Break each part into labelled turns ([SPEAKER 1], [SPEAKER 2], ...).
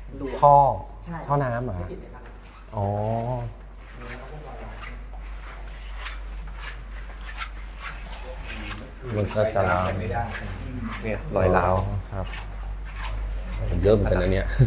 [SPEAKER 1] ท่อ
[SPEAKER 2] ใช่
[SPEAKER 1] ท่อน้ำเหรออ๋อมันก็จะร้าว
[SPEAKER 3] เนี่ยรอยร้าว
[SPEAKER 1] ครับเยอะเหมือนกันนะเนี่ย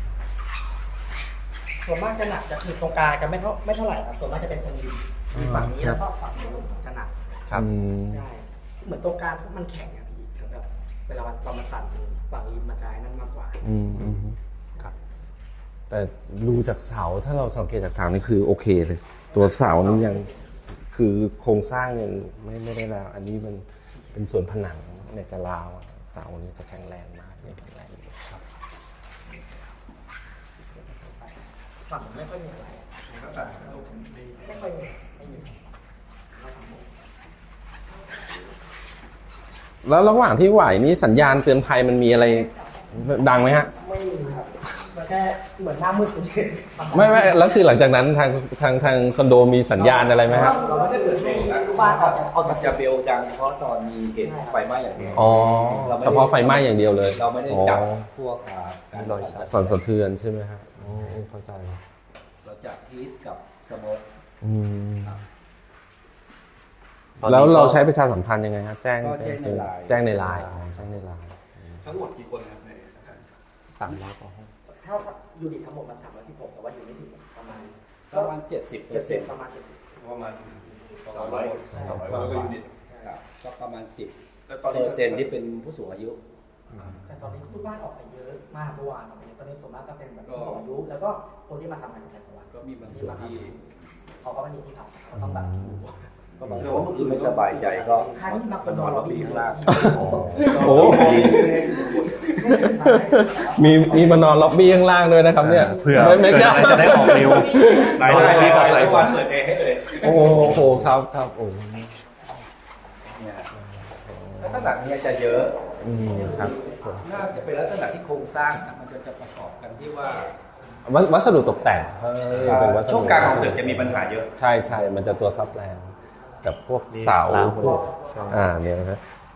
[SPEAKER 2] ส่วนมากจะหนักจะคือตรงกลางจะไม่เท่าไหร่ครับส่วนมากจะเป็นตรงริมฝั่งนี้แล้วก็ฝั่งนู้นจะหนัก
[SPEAKER 1] ครับ
[SPEAKER 2] ใช่เหมือนตรงกลางมันแข็งอะพี่แบบเวลาตอนมันสั่นฝั่งริมมันจะนั่นมากกว่า
[SPEAKER 1] ครับแต่ดูจากเสาถ้าเราสังเกตจากเสานี่คือโอเคเลยตัวเสานี่ยังคือโครงสร้างยังไม่ได้แล้วอันนี้มันเป็นส่วนผนังเนี่ยจะราวเสานี่จะแข็งแรงมากเนี่ยแข็งแรงครับ
[SPEAKER 2] ฝั่งไม่ค่อยมีอะไรไม่ค่อยไม่มี
[SPEAKER 1] แล้วระหว่างที่ไหวนี่สัญญาณเตือนภัยมันมีอะไรดังไหมฮะ
[SPEAKER 2] ไม่มีครับมันแค่เหมือนหน้ามืดเฉยๆ
[SPEAKER 1] ไม่แล้วคือหลังจากนั้นทางคอนโดมีสัญญาณอะไรไหมครับ
[SPEAKER 2] เราไม่ได้เปิดให้ลูกบ้านออก
[SPEAKER 3] จะเบลดังเฉพาะตอนมีเหตุไฟไหม้อย่างเดียว
[SPEAKER 1] อ๋อเฉพาะไฟไหม้อย่างเดียวเลย
[SPEAKER 3] เราไม่ได้จับพวกการ
[SPEAKER 1] สั่นสะเทือนใช่ไหมครับโอ้เข้าใจ
[SPEAKER 3] เราจับฮีทกับสโมก
[SPEAKER 1] แล้วเราใช้ประชาสัมพันธ์ยังไงครับแจ้งในไลน์
[SPEAKER 4] ทั้งหมดกี่คนครับในอาคาร
[SPEAKER 1] 300 กว่าห้อง
[SPEAKER 2] ถ้ายูนิตทั้งหมดมัน316แต่ว่าอยู่ไม่ถึงประมาณ
[SPEAKER 3] 70%
[SPEAKER 2] ประมาณ
[SPEAKER 4] 200ก็ยูนิต
[SPEAKER 3] ก็ประมาณ10%ที่เป็นผู้สูงอายุ
[SPEAKER 2] แต่ตอนนี้ทุกบ้านออกไปเยอะมากเมื่อวานตอนนี้ส่วนมากก็เป็นแบบผู้สูงอายุแล้วก็คนที่มาทำงานในจังหวัด
[SPEAKER 3] ก็มีบางส่วนที่
[SPEAKER 2] เขาก็ไม่มีที่ทำเขาต้องแบบ
[SPEAKER 3] ก็บางคนที่ไม่สบายใจก็
[SPEAKER 2] นอน
[SPEAKER 3] ล็อบบี้ข้างล่าง
[SPEAKER 1] โอ้มีมานอนล็อบบี้ข้างล่างด้วยนะครับเนี่ย
[SPEAKER 3] เพื่อไม่จะได้ออกเร็วหลายวันเปิดเองให้เลย
[SPEAKER 1] โอ้โหครับโอ้
[SPEAKER 3] ลักษณะนี้จะเยอะ
[SPEAKER 1] ครับ
[SPEAKER 3] น่าจะเป็นลักษณะที่โครงสร้างมันจะประกอบกันที่ว่า
[SPEAKER 1] วัสดุตกแต่ง
[SPEAKER 3] ช่วงกลางของตึกจะมีปัญหาเยอะ
[SPEAKER 1] ใช่มันจะตัวซับแรงกับพวกเสาพวกเนี่ยนะครับ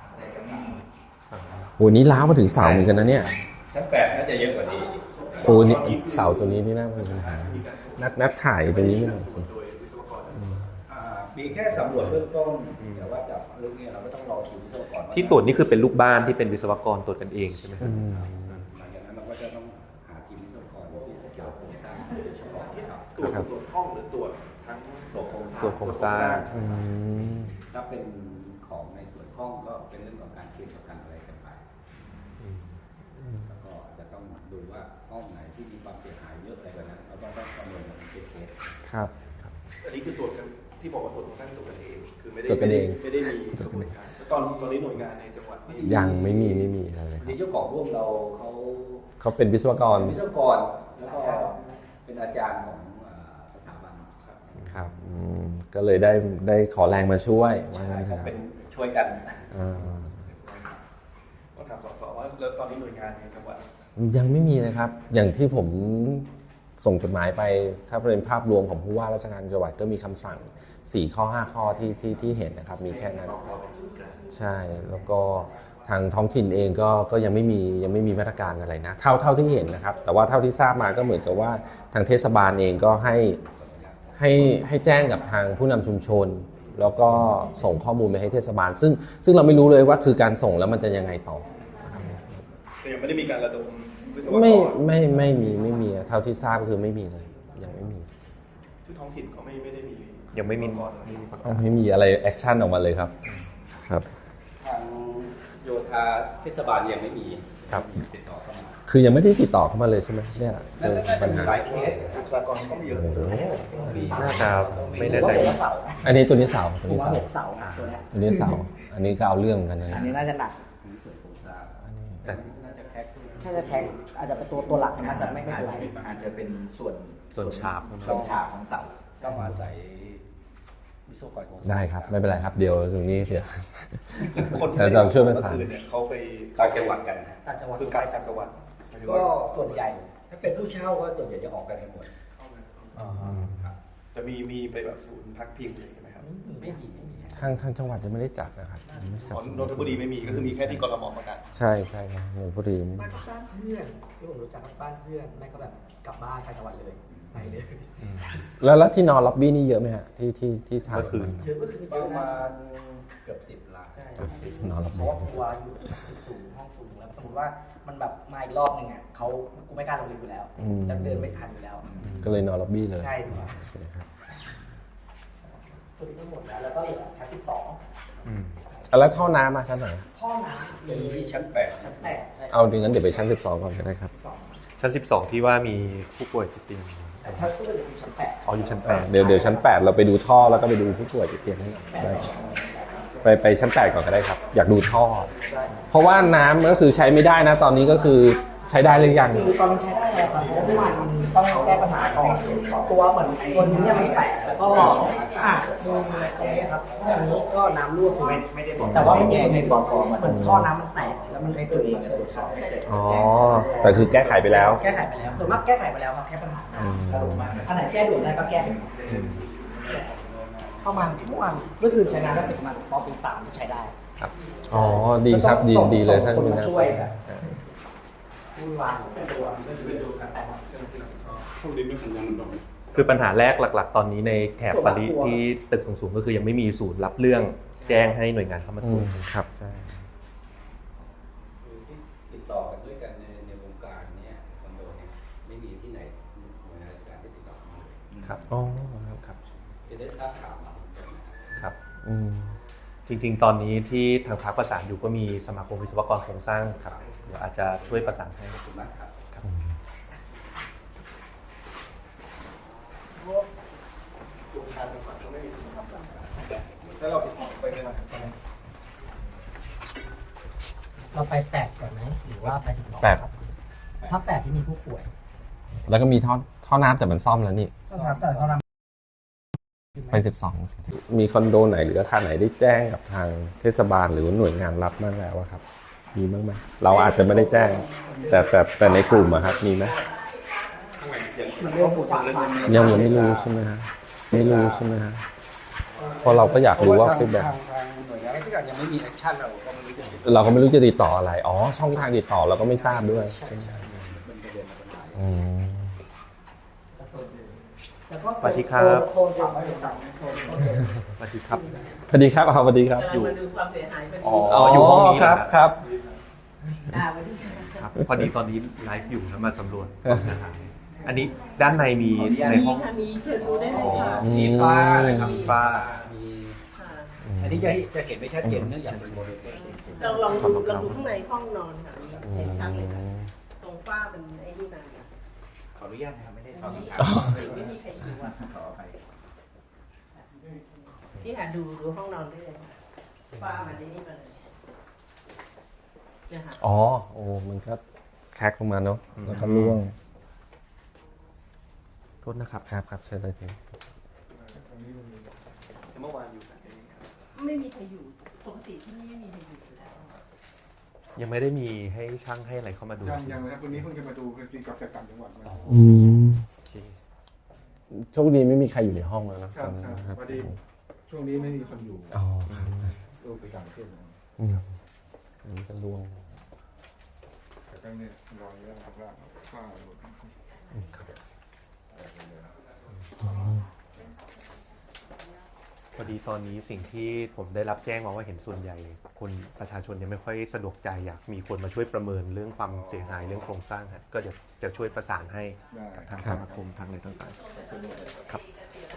[SPEAKER 1] โหนี้ล้าวมาถึงเสาเหมือนกันนะเนี่ย
[SPEAKER 3] ชั้น8น่าจะเยอะกว่านี้
[SPEAKER 1] โอ้นี่เสาตัวนี้นี่น่าเป็นปัญหานัดถ่ายตรงนี้ไม่หน่อยสิ
[SPEAKER 3] มีแค่สำรวจเบื้องต้นแต่ว่าจากเรื่องนี้เราก็ต้องรอคิววิศวกร
[SPEAKER 5] ที่ตรวจนี่คือเป็นลูกบ้านที่เป็นวิศวกรตรวจกันเองใช่ไหมครับ
[SPEAKER 3] หลังจากนั้นเราก็จะต้องหาทีมวิศวกรที่เกี่ยวกับโครงสร้างโดยเฉพาะ
[SPEAKER 4] ตรวจห้องหรือตรวจทั้ง
[SPEAKER 3] ตรวจโค
[SPEAKER 5] รงสร้าง
[SPEAKER 3] ถ้าเป็นของในส่วนห้องก็เป็นเรื่องของการเคลมประกันอะไรกันไปแล้วก็จะต้องดูว่าห้องไหนที่มีความเสียหายเยอะอะไรแบบนั้นเราต้องประเมินเป็นเคส
[SPEAKER 1] ครับ
[SPEAKER 4] อันนี้คือตรวจกันที่บอกว่าตรวจของท่านตรวจกันเองคือไม่ได้มีกระบวนการตอนนี้หน่วยงานในจังหวัด
[SPEAKER 1] ยังไม่มีอะไร
[SPEAKER 3] ครับเจ้าของร่วมเรา
[SPEAKER 1] เขาเป็นวิศวกร
[SPEAKER 3] แล้วก็เป็นอาจารย์ของสถาบัน
[SPEAKER 1] ครับก็เลยได้ขอแรงมาช่วยว่างั้นเถอะ
[SPEAKER 3] เป็นช่วยกัน
[SPEAKER 4] ก็ถามสอว่าแล้วตอนนี้หน่วยงานในจังหวัด
[SPEAKER 1] ยังไม่มีเลยครับอย่างที่ผมส่งจดหมายไปถ้าเป็นภาพรวมของผู้ว่าราชการจังหวัดก็มีคำสั่ง4 ข้อ 5 ข้อที่เห็นนะครับมีแค่นั้นใช่แล้วก็ทางท้องถิ่นเองก็ยังไม่มีมาตรการอะไรนะเท่าที่เห็นนะครับแต่ว่าเท่าที่ทราบมาก็เหมือนกับว่าทางเทศบาลเองก็ให้แจ้งกับทางผู้นำชุมชนแล้วก็ส่งข้อมูลไปให้เทศบาลซึ่งเราไม่รู้เลยว่าคือการส่งแล้วมันจะยังไงต่อ
[SPEAKER 4] แต่ยังไม่ได้มีการระดมวิศวกร
[SPEAKER 1] ไม่มีเท่าที่ทราบก็คือไม่มีเลยยังไม่มี
[SPEAKER 4] ที่ท้องถิ่นเขาไม่ได้มี
[SPEAKER 5] ยังไม่
[SPEAKER 1] มีอะไรแอคชั่นออกมาเลยครับ
[SPEAKER 3] ทางโยธาเทศบาลยังไม่มีติดต่อเข้ามา
[SPEAKER 1] คือยังไม่ได้ติดต่อเข้ามาเลยใช่ไหมเนี่ย
[SPEAKER 3] ปัญหาหลายเคส
[SPEAKER 4] บุคลากรก็ไม่เยอะ
[SPEAKER 5] น่าจะไม่แน่ใจ
[SPEAKER 1] อันนี้ตัวนี้เสา
[SPEAKER 2] ตัวนี้เสา
[SPEAKER 1] อันนี้เสาอันนี้ก็เอาเรื่องกันนะ
[SPEAKER 2] อันนี้น่าจะหนัก
[SPEAKER 3] แต่น่าจะแค่
[SPEAKER 2] อาจจะเป็นตัวหลักนะแต่ไม่เป็นไร
[SPEAKER 3] อาจจะเป็นส่วนฉากของเสาก็อาศัยวิศวกรของ
[SPEAKER 1] ได้ครับไม่เป็นไรครับเดี๋ยวตรงนี้เสีย
[SPEAKER 4] คนที่
[SPEAKER 1] เราช่วยประสาน
[SPEAKER 4] เขาไป
[SPEAKER 3] ต่างจังหวัดกัน
[SPEAKER 4] คือการต่างจังหวัด
[SPEAKER 3] ก็ส่วนใหญ่ถ้าเป็นผู้เช่าก็ส่วนใหญ่จะออกกันทั้งหมด
[SPEAKER 4] จะมีไปแบบศูนย์พักพิงอะไรอย่างเงี้ยไหมครับ
[SPEAKER 2] ไม่มี
[SPEAKER 1] ทางจังหวัดยังไม่ได้จัดนะครับยังไม่จัด
[SPEAKER 4] นนทบุรีไม่มีก็คือมีแค่ที่กทมประกาศ
[SPEAKER 1] ใช่ใช่ครับนนทบุรี
[SPEAKER 2] บ้านเพื่อนที่ผมรู้จักบ้านเพื่อนแม่ก็แบบกลับบ้านไปจังหวัดเลยไปเลย
[SPEAKER 1] แล้วที่นอนล็อบบี้นี่เยอะไหมฮะที่ทาง
[SPEAKER 5] เมื่อคืน
[SPEAKER 2] เยอะก็คือ
[SPEAKER 3] ประมาณเกือบ10 ล้าน
[SPEAKER 2] ใช่
[SPEAKER 1] นอนล็อบ
[SPEAKER 2] เพ
[SPEAKER 1] บี้
[SPEAKER 2] ราะว่ากลัวอยู่สูงห้องสูงแล้วสมมติว่ามันแบบมาอีกรอบนึงอ่ะกูไม่กล้าลงลิฟต์อยู่แล้วแล้วเดินไม่ทันอยู่แล้ว
[SPEAKER 1] ก็เลยนอนล็อบบี้เลย
[SPEAKER 2] ใช่ครับ
[SPEAKER 1] โอเคครับ
[SPEAKER 2] ตัวนี้ก็หมดแล้วแล้วก็เหลือชั้น12
[SPEAKER 5] อืม
[SPEAKER 1] แล้วท่อน้ำมาชั้นไหน
[SPEAKER 2] ท่อน้ำ
[SPEAKER 3] เป็นที่ชั้น
[SPEAKER 2] ชั้น8ใช่
[SPEAKER 1] เอาดีงั้นเดี๋ยวไปชั้น 12ก่อนก็ได้ครับ
[SPEAKER 5] ชั้น 12 ที่ว่ามีผู้ป่วยติดเตียง
[SPEAKER 2] แต่ชั้นก็เลยอยู่ชั้น8
[SPEAKER 5] อ๋ออยู่ชั้น
[SPEAKER 1] เดี๋ยวชั้น 8 เราไปดูท่อแล้วก็ไปดูผู้ป่วยติดเตียงให้หน่อยได้ครับไปชั้น 8 ก่อนก็ได้ครับ อยากดูท่อ เพราะว่าน้ำก็คือใช้ไม่ได้นะ ตอนนี้ก็คือใช้ได้หรือยัง
[SPEAKER 2] คือตอนนี้ใช้ได้แล้วครับเพราะว่าเมื่อวานมันต้องแก้ปัญหาก่อนตัวเหมือนตัวนี้เนี่ยมันแตกแล้วก็ดูตรงนี้ครับอันนี้ก็น้ำรั่วซึมไม่ได้บอกแต่ว่าไม่ได้บอกก่อนเหมือนท่อน้ำมันแตกแล้วมันในตัวเองตรวจสอบไม่เสร็จ
[SPEAKER 1] อ๋อ แต่คือแก้ไขไปแล้ว
[SPEAKER 2] แก้ไขไปแล้วส่วนมากแก้ไขไปแล้วครับแค่ปัญหาสรุปมาอันไหนแก้ด่วนได้ก็แก้ไปเข้ามาเมื่อวานก็คือใช้งานได้เป็นมันพอปี3ที่ใช้ได้
[SPEAKER 1] ครับ อ๋อ ดีครับดีเลยท่าน
[SPEAKER 2] คน
[SPEAKER 1] ผู้
[SPEAKER 2] มา
[SPEAKER 1] น่า
[SPEAKER 2] ช่วยครับวุ่นวายตัว
[SPEAKER 5] คือปัญหาแรกหลัก ๆ ตอนนี้ในแถบปารีสที่ตึกสูงๆก็คือยังไม่มีศูนย์รับเรื่องแจ้งให้หน่วยงานเข้ามาตรวจ
[SPEAKER 1] ครับ ใช่
[SPEAKER 3] คือที่ติดต่อกันด้วยกันในวงการเนี่ยคอนโดเนี่ยไม่มีที่ไหนหน่วยงานราชการที่ติดต่อมาเลย
[SPEAKER 5] ครับ
[SPEAKER 1] อ๋อ ครับ
[SPEAKER 3] จะได้ทราบข่าวมา
[SPEAKER 5] ครับ
[SPEAKER 1] อืม
[SPEAKER 5] จริงๆ ตอนนี้ที่ทางพรรคประสานอยู่ก็มีสมาคมวิศวกรโครงสร้างครับเดี๋ยวอาจจะช่วยประสานให้
[SPEAKER 3] ขอบคุณมากครับ
[SPEAKER 4] แล้วเราไปไหนมา
[SPEAKER 2] เราไป8ก่อนไหมหรือว่าไปถึง2
[SPEAKER 1] 8
[SPEAKER 2] ครับถ้า8ที่มีผู้ป่วย
[SPEAKER 1] แล้วก็มีท่อน้ำแต่มันซ่อมแล้วนี่
[SPEAKER 2] ก็ครับแต่เขาน
[SPEAKER 1] ไป 12 มีคอนโดไหนหรืออาคารไหนได้แจ้งกับทางเทศบาลหรือว่าหน่วยงานรับบ้างแล้วอะครับ มีบ้างไหมเราอาจจะไม่ได้แจ้ง แต่ในกลุ่มอะครับ มีไหม
[SPEAKER 2] มันเรื่องผู้ป่วย
[SPEAKER 1] ยังไม่รู้ใช่ไหมฮะไม่รู้ใช่ไหมฮะเพราะเราก็อยากรู้ว่าฟีดแบ็ก
[SPEAKER 3] ทางหน่วยงานราชการยังไม่มีแอคชั่นเราก็ไม่รู้จะ
[SPEAKER 1] เราก็ไม่รู้จะติดต่ออะไร อ๋อ ช่องทางติดต่อเราก็ไม่ทราบด้วย
[SPEAKER 3] เป็นประเด็นมาเป็นหลาย
[SPEAKER 1] อืม
[SPEAKER 2] แล้วก็
[SPEAKER 5] สวัสดีครับ
[SPEAKER 2] โซนฝั่งไม่สั่งโซน
[SPEAKER 5] สวัสดีครับ
[SPEAKER 1] สวัสดีครับสวัสดีครับ
[SPEAKER 6] กำลังมาดูความเสียหายพอดี
[SPEAKER 5] อ๋ออยู่ห้องนี้
[SPEAKER 1] ครับ
[SPEAKER 5] เหรอ
[SPEAKER 1] ครับ
[SPEAKER 6] วันนี้
[SPEAKER 5] ครับ พอดีตอนนี้ไลฟ์อยู่แล้วมาสำรวจนะฮะอันนี้ด้านในมีในห้อง
[SPEAKER 6] ค่ะมีเชิญดูได้เลยค่ะ
[SPEAKER 3] มีฟ้านะครับฟ้ามี
[SPEAKER 6] ค่ะ
[SPEAKER 3] อันนี้จะเห็นไม่ชัดเจนเนื่องจากเป็นโมเดลเตอร์
[SPEAKER 6] เราลองดูข้างในห้องนอนค่ะเห็นชัดเลยค่ะตรงฝ้าเป็นไอ้นี่มาค่ะ
[SPEAKER 3] ขออนุญาตนะครับไม่ได้
[SPEAKER 6] ไม่
[SPEAKER 3] ทำ
[SPEAKER 6] มีไม่มีใครอยู่อ่ะ
[SPEAKER 3] ขออภัย
[SPEAKER 6] ที่หาดูห้องนอนได้เลยค่ะฝ้ามันไอ้นี่มาเลยเนี่ยค่ะ
[SPEAKER 1] อ๋อ โอ้ มันก็แคกลงมาเนาะ แล้วก็ร่วง
[SPEAKER 5] โทษนะครับ
[SPEAKER 1] ครับเชิญเลยที
[SPEAKER 4] เมื่อวานอยู่ไหนครับ
[SPEAKER 6] ไม่มีใครอยู่ปกติที่นี่ไม่มีใครอยู่อยู่แล้ว
[SPEAKER 5] ยังไม่ได้มีให้ช่างให้อะไรเข้ามาดู
[SPEAKER 7] ยังนะครับวันนี้เพิ่งจะมาดูคือกับจากต่างจังหวัดมา
[SPEAKER 1] อืม
[SPEAKER 5] โอเค
[SPEAKER 1] โชคดีไม่มีใครอยู่ในห้องแล้วนะครับ
[SPEAKER 7] ครับพอดีช่วงนี้ไม่มีคนอยู่
[SPEAKER 1] อ๋อครับ
[SPEAKER 7] ลูกไปต่างประเทศนะ
[SPEAKER 1] อืมอันนี้ก็ร่วง
[SPEAKER 7] แต่ก็เนี่ยรอเยอะนะครับว่าหลุด
[SPEAKER 5] พอดีตอนนี้สิ่งที่ผมได้รับแจ้งมาว่าเห็นส่วนใหญ่คนประชาชนยังไม่ค่อยสะดวกใจอยากมีคนมาช่วยประเมินเรื่องความเสียหายเรื่องโครงสร้างฮะก็จะช่วยประสานให้
[SPEAKER 7] ได้
[SPEAKER 5] ทางสมาคมทางอะไรต่างๆครับ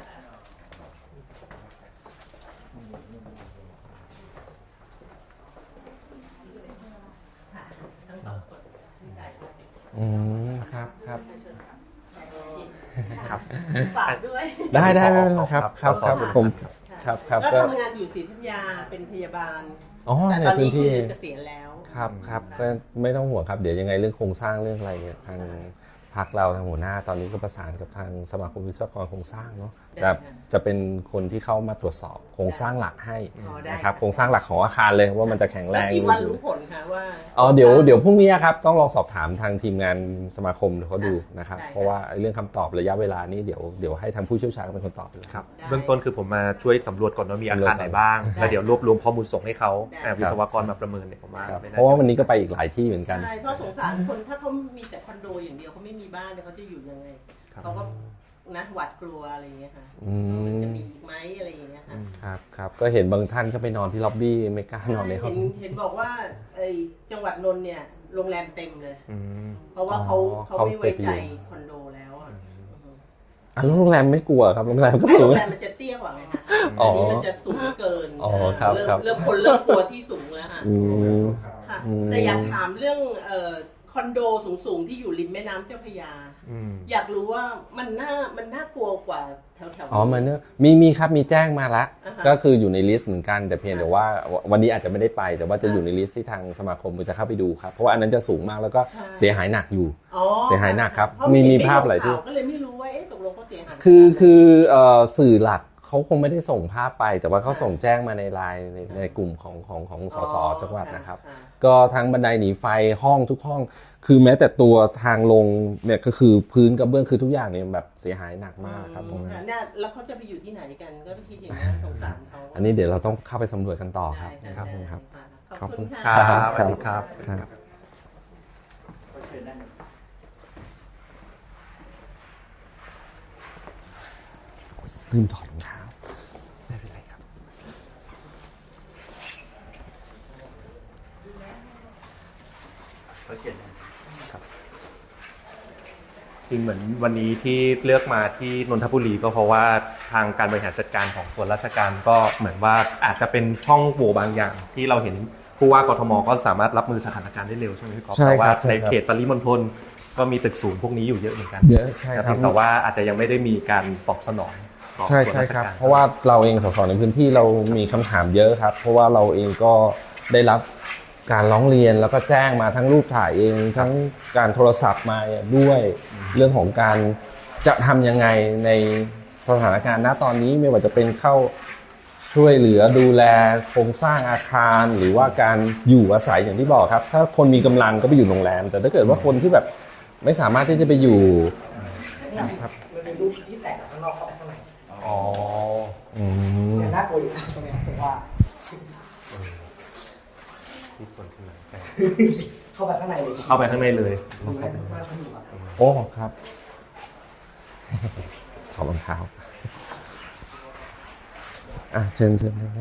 [SPEAKER 6] ค่ะทั้งสองคนที่จ่ายไป
[SPEAKER 1] อืมครับครับ
[SPEAKER 5] ครับ
[SPEAKER 6] ฝากด้วย
[SPEAKER 1] ได้ไม่เป็นไรครับครับครับผมครับครับ
[SPEAKER 6] ก็
[SPEAKER 1] ก็
[SPEAKER 6] ทำงานอยู่ศรีธัญญาเป็นพยาบาล
[SPEAKER 1] อ๋อ
[SPEAKER 6] แต่
[SPEAKER 1] ใน
[SPEAKER 6] ตอน
[SPEAKER 1] พื้
[SPEAKER 6] นี้
[SPEAKER 1] น
[SPEAKER 6] คื
[SPEAKER 1] ที่
[SPEAKER 6] อเกษียณแล้ว
[SPEAKER 1] ครับก็ไม่ต้องห่วงครับเดี๋ยวยังไงเรื่องโครงสร้างเรื่องอะไรเนี่ยทางพรรคเราทางหัวหน้าตอนนี้ก็ประสานกับทางสมาคมวิศวกรโครงสร้างเนาะจะเป็นคนที่เข้ามาตรวจสอบโครงสร้างหลักให้
[SPEAKER 6] อ๋อได้
[SPEAKER 1] นะครับโครงสร้างหลักของอาคารเลยว่ามันจะแข็งแร
[SPEAKER 6] แล้ว
[SPEAKER 1] ง
[SPEAKER 6] กี่วันรู้ผลคะว่า
[SPEAKER 1] เดี๋ยวพรุ่งนี้ครับต้องลองสอบถามทางทีมงานสมาคมเขาดูนะครับ
[SPEAKER 6] ได้
[SPEAKER 1] เพราะว่าเรื่องคำตอบระยะเวลานี้เดี๋ยวให้ทางผู้เชี่ยวชาญเป็นคนตอบเลย
[SPEAKER 5] ครับ
[SPEAKER 6] ได้
[SPEAKER 5] เบื้องต้นคือผมมาช่วยสำรวจก่อนว่ามีอาคารไหนบ้าง
[SPEAKER 6] ได้
[SPEAKER 5] แล้วเดี๋ยวรวบรวมข้อมูลส่งให้เขา
[SPEAKER 6] ได้
[SPEAKER 5] วิศวกรมาประเมินเนี่ยผมว่า
[SPEAKER 1] ครับ
[SPEAKER 5] ไม่น่
[SPEAKER 1] เพราะว่าวันนี้ก็ไปอีกหลายที่เหมือนกัน
[SPEAKER 6] ใช่เพราะสงสารคนถ้าเขามีแต่คอนโดอย่างเดียวเขาไม่มีบ้านเนี่ยเขาจะอยู่ยังไง
[SPEAKER 5] ครับ
[SPEAKER 6] เขาก็นะหวาดกลัวอะไรอย่างเงี้ยค่ะ
[SPEAKER 1] อืม
[SPEAKER 6] จะมีอีกไหมอะไรอย่างเงี้ยค่ะ
[SPEAKER 1] ครับก็เห็นบางท่านก็ไปนอนที่ล็อบบี้ไม่กล้านอนในห้อง
[SPEAKER 6] เห็นบอกว่าไอ้จังหวัดนนท์เนี่ยโรงแรมเต็มเลย
[SPEAKER 5] อืม
[SPEAKER 6] เพราะว่าเขา
[SPEAKER 1] เขา
[SPEAKER 6] ไม่ไว้ใจ
[SPEAKER 1] ไปอยู่
[SPEAKER 6] คอนโดแล้วอ่ะ
[SPEAKER 1] แล้วโรงแรมไม่กลัวครับโรงแรมก็
[SPEAKER 6] ไม่
[SPEAKER 1] สู
[SPEAKER 6] โรง งแรมมันจะเตี้ยกว่าไงคะ
[SPEAKER 1] อ๋อ
[SPEAKER 6] อันนี้มันจะสูงเกิน
[SPEAKER 1] อ๋อครับ
[SPEAKER 6] เริ่ม
[SPEAKER 1] ครับ
[SPEAKER 6] เริ่มคนเริ่มกลัวที่สูงแล้วค่ะ
[SPEAKER 1] อืม
[SPEAKER 6] ค่ะ
[SPEAKER 1] อืม
[SPEAKER 6] แต่อยากถามเรื่องคอนโดสูงๆที่อยู่ริมแม่น้ำเจ้าพระยา
[SPEAKER 5] อืม
[SPEAKER 6] อยากรู้ว่ามันน่ากลัวกว่าแถวๆ
[SPEAKER 1] อ๋อมันเนี่ยมีครับมีแจ้งมาละ
[SPEAKER 6] อ่าฮะ
[SPEAKER 1] ก็คืออยู่ในลิสต์เหมือนกันแต่เพียงแต่ว่าวันนี้อาจจะไม่ได้ไป แต่ว่าจะอยู่ในลิสต์ที่ทางสมาคมจะเข้าไปดูครับเพราะว่าอันนั้นจะสูงมากแล้วก็
[SPEAKER 6] ใช่
[SPEAKER 1] เสียหายหนักอยู่
[SPEAKER 6] อ๋อ
[SPEAKER 1] เสียหายหนักครับ
[SPEAKER 6] เพราะ
[SPEAKER 1] มี
[SPEAKER 6] เห็น
[SPEAKER 1] ภาพหลายที่
[SPEAKER 6] ข่วก็เลยไม่รู้ว่าเอ๊ะตกลงเขาเสียหาย
[SPEAKER 1] คือสื่อหลักเขาคงไม่ได้ส่งภาพไป แต่ว่าเขาส่งแจ้งมาในไลน์ในกลุ่มของสสจังหวัดนะครับ ก็ทั้งบันไดหนีไฟห้องทุกห้อง คือแม้แต่ตัวทางลงเนี่ยก็คือพื้นกระเบื้องคือทุกอย่างเนี่ยแบบเสียหายหนักมากครับตรงนั้น
[SPEAKER 6] เนี่ยแล้วเขาจะไปอยู่ที่ไหนกันก็คิดอย่างนี้นสงสารเขา
[SPEAKER 1] อันนี้เดี๋ยวเราต้องเข้าไปสำรวจกันต่อครับ
[SPEAKER 6] ได้
[SPEAKER 1] ครับ
[SPEAKER 6] ได้
[SPEAKER 1] ครับ
[SPEAKER 6] ขอบคุณ
[SPEAKER 1] ค
[SPEAKER 6] ค่ะ
[SPEAKER 1] รับ
[SPEAKER 5] สวัสดีครับ
[SPEAKER 1] ครับลืมถอดรองเท้าไม่เป็นไรครับ
[SPEAKER 5] จริงเหมือนวันนี้ที่เลือกมาที่นนทบุรีก็เพราะว่าทางการบริหารจัดการของส่วนราชการก็เหมือนว่าอาจจะเป็นช่องโหว่บางอย่าง ที่เราเห็นผู้ว่ากทมก็สามารถรับมือสถานการณ์ได้เร็วใช่ไหมพี่ก๊อฟ
[SPEAKER 1] ใช่ครับ
[SPEAKER 5] แต่ว่า
[SPEAKER 1] ใช่
[SPEAKER 5] ใน
[SPEAKER 1] ครับ
[SPEAKER 5] เขตปริมณฑลก็มีตึกสูงพวกนี้อยู่เยอะเหมือนกัน
[SPEAKER 1] เยอะใช่ครับ
[SPEAKER 5] แต่ว่าอาจจะยังไม่ได้มีการตอบสนองต่อ
[SPEAKER 1] ใช่
[SPEAKER 5] ส่วน
[SPEAKER 1] ใช่
[SPEAKER 5] ราช
[SPEAKER 1] ครับ
[SPEAKER 5] การ
[SPEAKER 1] เพราะว่าเราเองสสในพื้นที่เรามีคำถามเยอะครับ เพราะว่าเราเองก็ได้รับการร้องเรียนแล้วก็แจ้งมาทั้งรูปถ่ายเองทั้งการโทรศัพท์มาด้วยเรื่องของการจะทำยังไงในสถานการณ์ณตอนนี้ไม่ว่าจะเป็นเข้าช่วยเหลือดูแลโครงสร้างอาคารหรือว่าการอยู่อาศัยอย่างที่บอกครับ ถ้าคนมีกำลังก็ไปอยู่โรงแรม แต่ถ้าเกิดว่าคนที่แบบไม่สามารถที่จะไปอยู่ครับ
[SPEAKER 2] มันเป็นรูปที่แตกข้างนอกเข้าไปข้างใน
[SPEAKER 5] อ๋อ
[SPEAKER 2] เนี่ยน่ากลัวอยู่นะตรงเนี้ยผมว่า
[SPEAKER 5] ที่ส่วนที่ไหนใกล้
[SPEAKER 2] เข้าไปข้างในเลย
[SPEAKER 5] เข้าไปข้างในเลย
[SPEAKER 2] ดูแลทุกบ้านที่อยู่ครับ
[SPEAKER 1] โอ้ครับถอดรองเท้าเชิญนะครับ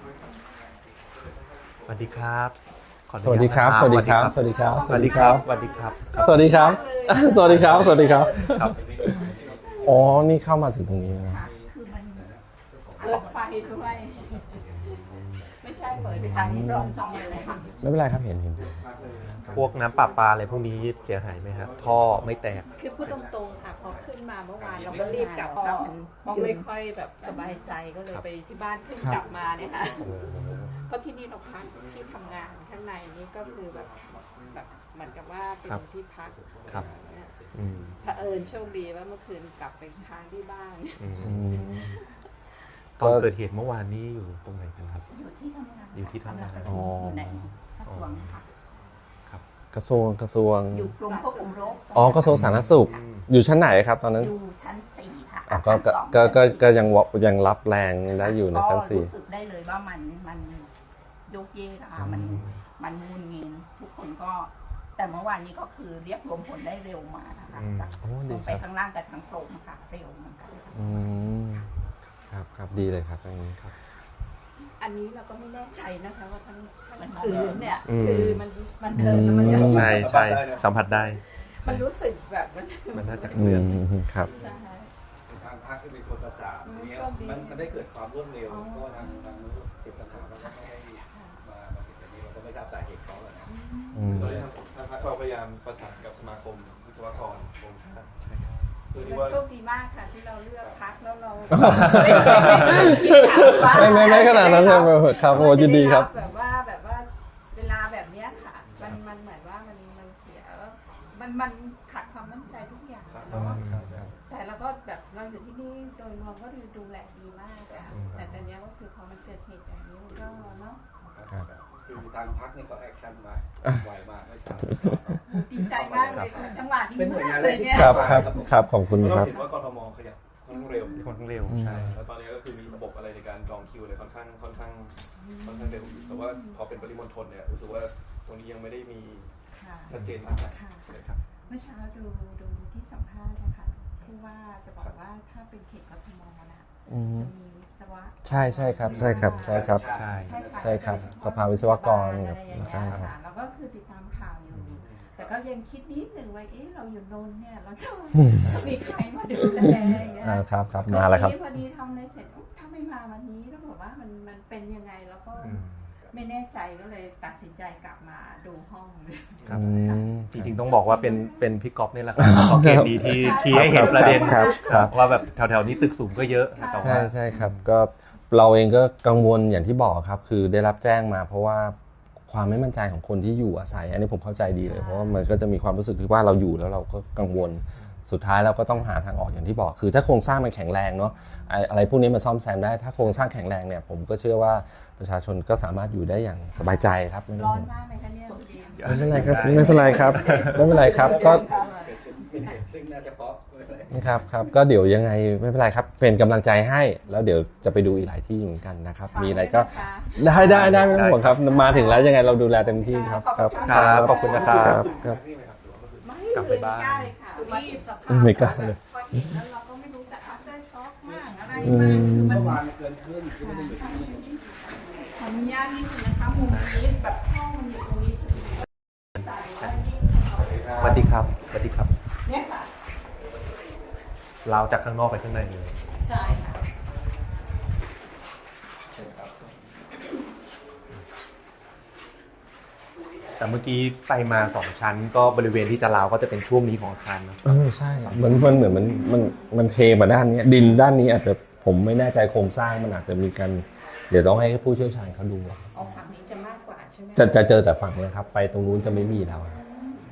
[SPEAKER 5] สวัสดีครับขออนุญาต
[SPEAKER 1] สวัสดีครับ
[SPEAKER 5] นะ
[SPEAKER 1] สวัสดีครับ สวัสดีครับ
[SPEAKER 5] สวัสดีครับสวัสดีครับ
[SPEAKER 1] สวัสดีครับ สวัสดีครับ สวัสดีครับ
[SPEAKER 5] ครับ
[SPEAKER 1] อ๋อ นี่เข้ามาถึงตรงนี้นะ
[SPEAKER 8] คือมันเปิดไฟด้วย ไม่ใช่เปิดทางรองซองอะไรค่ะ
[SPEAKER 1] ไม่เป็นไรครับ เห็น
[SPEAKER 5] พวกน้ำประปาอะไรพวกนี้เสียหายไหมครับท่อไม่แตก
[SPEAKER 8] คือพูดตรงๆค่ะพอขึ้นมาเมื่อวานเราก็รีบกลับก็ไม่ค่อยแบบสบายใจก็เลยไปที่บ้านขึ้นกลับมาเนี่ยค่ะเพราะที่นี่เราพักที่ทำงานข้างในนี่ก็คือแบบเหมือนกับว่าเป็น
[SPEAKER 5] ครับ
[SPEAKER 8] ที่พัก
[SPEAKER 5] ครับ
[SPEAKER 8] เนี่ย
[SPEAKER 5] อืม
[SPEAKER 8] เผอิญโชคดีว่าเมื่อคืนกลับไปค้างที่บ้าน
[SPEAKER 5] อืมตอนเกิดเหตุเมื่อวานนี้อยู่ตรงไหนกันครับ
[SPEAKER 8] อยู่ที่ทำงาน
[SPEAKER 5] อยู่ที่ทำงาน
[SPEAKER 1] อ๋อ
[SPEAKER 8] อยู่ในกระทรวงค่ะ
[SPEAKER 5] ครับ
[SPEAKER 1] กระทรวง
[SPEAKER 8] อยู่กรมควบคุมโรค
[SPEAKER 1] อ๋อกระทรวงสาธารณสุข อยู่ชั้นไหนครับตอนนั้น
[SPEAKER 8] อยู่ชั้น 4 ค่ะ
[SPEAKER 1] อ๋อ
[SPEAKER 8] อาคารสอง
[SPEAKER 1] ก็ยังรับแรงได้อยู่ในชั้น
[SPEAKER 8] ก็รู้สึกได้เลยว่ามันโยกเยกอะค่ะมันมุนเงินทุกคนก็แต่เมื่อวานนี้ก็คือเรียกรวมผลได้เร็วมากนะคะ
[SPEAKER 1] โอ้ดี
[SPEAKER 8] ลง
[SPEAKER 1] ค
[SPEAKER 8] ไป
[SPEAKER 1] รับ
[SPEAKER 8] ข้างล่างกับทางตรงค่ะเร็วเหมือนกันค่ะ
[SPEAKER 1] อืมครับดีเลยครับอันนี้ครับ
[SPEAKER 8] อันนี้เราก็ไม่แน่ใจนะคะว่าทั้งคืนเนี่ย
[SPEAKER 5] อืม
[SPEAKER 8] คือมันเดินแล้วมัน
[SPEAKER 1] อืม
[SPEAKER 5] ใช่ใช่สัมผัสได้
[SPEAKER 8] มันรู้สึกแบบ
[SPEAKER 5] มันน่าจะ
[SPEAKER 1] อื
[SPEAKER 5] เคลื่อน
[SPEAKER 1] มครับ
[SPEAKER 8] ใช่
[SPEAKER 3] ทางภาคที่เป็นคนประสานทีนี้มันได้เกิดความรวดเร็วเพราะว่าทางนู้นติดปัญหาแล้วก็ไม่ได้มาติดอันนี้เราก็ไม่ทราบสาเหตุเขาเลยนะ
[SPEAKER 4] ตอนนี้ทางพรรคเราพยายามประสานกับสมาคมวิศวกรโครงสร้างเพื่อที่ว่า
[SPEAKER 8] โชคดีมากค่ะที่เราเลือกพักแล้วเรา
[SPEAKER 1] ไม่ขนาดนั้นครับโอ้ยินดีครับ
[SPEAKER 8] แบบว่าเวลาแบบเนี้ยค่ะมันเหมือนว่ามันเสียมันมันขาดความมั่นใจทุกอย่าง
[SPEAKER 4] ครับ
[SPEAKER 8] เนาะ
[SPEAKER 1] ครับ
[SPEAKER 8] แต่เราก็แบบเราอยู่ที่นี่โดยรวมก็ดูแลดีมากอะค่ะแต่ตอนนี้ก็คือพอมันเกิดเหตุแบบนี้มันก็เนาะ
[SPEAKER 1] ครับ
[SPEAKER 3] คือทางพักนี่ก็แอคชั่นมาไวมากไม่ช้า
[SPEAKER 8] ดีใจมากเลยค่ะจังหวะดี
[SPEAKER 3] เป็นหน่วยาน
[SPEAKER 8] มางกเลยเนี่ย
[SPEAKER 1] ครับครับครับขอบคุณ
[SPEAKER 4] เรา
[SPEAKER 1] ครับ
[SPEAKER 4] เห็นว่ากทมขยับค่อนข้างเร็ว
[SPEAKER 5] ค่อนข้างเร็วใช่
[SPEAKER 4] แล้วตอนนี้ก็คือมีระบบอะไรในการจองคิวเลยค่อนข้างเร็วอยู่แต่ว่าพอเป็นปริมณฑลเนี่ยรู้สึกว่าตรงนี้ยังไม่ได้มี
[SPEAKER 8] ค่ะ
[SPEAKER 4] ชัดเจนมากนะ
[SPEAKER 8] ค่ะ
[SPEAKER 4] ครับ
[SPEAKER 8] เมื่อเช้าดูที่สัมภาษณ์นะคะผู้ว่าจะบอกว่าถ้าเป็นเขตกทมนะ
[SPEAKER 1] อืม
[SPEAKER 8] จะมีวิศวะ
[SPEAKER 1] ใช่ครับใช่ครับใช่ครับ
[SPEAKER 5] ใช่
[SPEAKER 1] ใช่ครับสภาวิศวกร
[SPEAKER 8] อะไรอย่าง
[SPEAKER 1] ใช่
[SPEAKER 8] เงี้ย
[SPEAKER 1] ครับ
[SPEAKER 8] ค่ะเราก็คือติดตามข่าวอยู่ แต่ก็ยังคิดนิดหนึ่งว่าเอ๊ะเราอยู่นนท์เนี่ยเราจะมีใครมาดูแลอย่างเงี้ย
[SPEAKER 1] ครับครับมาแล้วครับ
[SPEAKER 8] พอดีทำอะไรเสร็จอุ๊ยถ้าไม่มาวันนี้แล้วบอกว่ามันเป็นยังไงแล้วก็ไม่แน่ใจก็เลยตัดสินใจกลับมาดูห้องเลย
[SPEAKER 5] ครับ
[SPEAKER 1] อืม
[SPEAKER 5] จริงๆต้องบอกว่าเป็นพี่ก๊อฟนี่แหละครับขอเกมดีที่ชี้ให้เห็นประเด็น
[SPEAKER 1] ครับ
[SPEAKER 5] ว่าแบบแถวๆนี้ตึกสูงก็เยอะแต่ว่า
[SPEAKER 1] ใช่ครับก็เราเองก็กังวลอย่างที่บอกครับ คือได้รับแจ้งมาเพราะว่าความไม่มั่นใจของคนที่อยู่อาศัย อันนี้ผมเข้าใจดีเลยเพราะว่ามันก็จะมีความรู้สึกที่ว่าเราอยู่แล้วเราก็กังวลสุดท้ายเราก็ต้องหาทางออกอย่างที่บอก คือถ้าโครงสร้างมันแข็งแรงเนาะอะไรพวกนี้มันซ่อมแซมได้ถ้าโครงสร้างแข็งแรงเนี่ยผมก็เชื่อว่าประชาชนก็สามารถอยู่ได้อย่างสบายใจครับไม่ต้
[SPEAKER 8] ร้
[SPEAKER 1] อ
[SPEAKER 8] อง นมากเลยคะเนี่ยคุณดี
[SPEAKER 1] ไม่เป็นไรครับไม่เป็นไรครับไม่เป็นไรครับก็
[SPEAKER 3] เป็นเหตุซึ่งน่าเฉพาะไม่เป็นไร
[SPEAKER 1] ครับก็เดี๋ยวยังไงไม่เป็นไรครับเป็นกำลังใจให้แล้วเดี๋ยวจะไปดูอีกหลายที่เหมือนกันนะครับมีอะไรก็ได้ไม่ต้องห่วงครับมาถึงแล้วยังไงเราดูแลเต็มที่ครับครับ
[SPEAKER 5] ครับขอบคุณนะครับ
[SPEAKER 1] ครับ
[SPEAKER 8] ไม่
[SPEAKER 5] กลับไปบ้าน
[SPEAKER 8] ม่กล้เลยค่ะรีบสภาพ
[SPEAKER 1] ไม่กล้าเลย
[SPEAKER 8] พอเห็นแล้วเราก็ไม่รู้จะอัพได้ช็อกมากอะไร
[SPEAKER 1] อื
[SPEAKER 8] มาก
[SPEAKER 1] ม
[SPEAKER 8] คือมัน
[SPEAKER 3] เมื่อวานเกินครึ่งคือไม่ได้อยู่ที่นี่
[SPEAKER 8] ขออนุญาตนิดนึงนะคะมุมนี้แบบห้องมันอยู่ตรงนี้จ่ายไว้ที่เขา
[SPEAKER 5] สวัสดีครับสวัสดีครับ
[SPEAKER 8] เนี่ยค่ะ
[SPEAKER 5] เราจากข้างนอกไปข้างในเลย
[SPEAKER 8] ใช่ค่ะ
[SPEAKER 5] แต่เมื่อกี้ไปมา2 ชั้นก็บริเวณที่จะราวก็จะเป็นช่วงนี้ของอาคารนะ
[SPEAKER 1] ใช่มันเหมือนมันเทมาด้านนี้ดินด้านนี้อาจจะผมไม่แน่ใจโครงสร้างมันอาจจะมีการเดี๋ยวต้องให้ผู้เชี่ยวชาญเขาดู
[SPEAKER 8] เอาฝั่งนี้จะมากกว่าใช่ไหม
[SPEAKER 1] จะเจอแต่ฝั่งนี้ครับไปตรงนู้นจะไม่มีแล้วครับ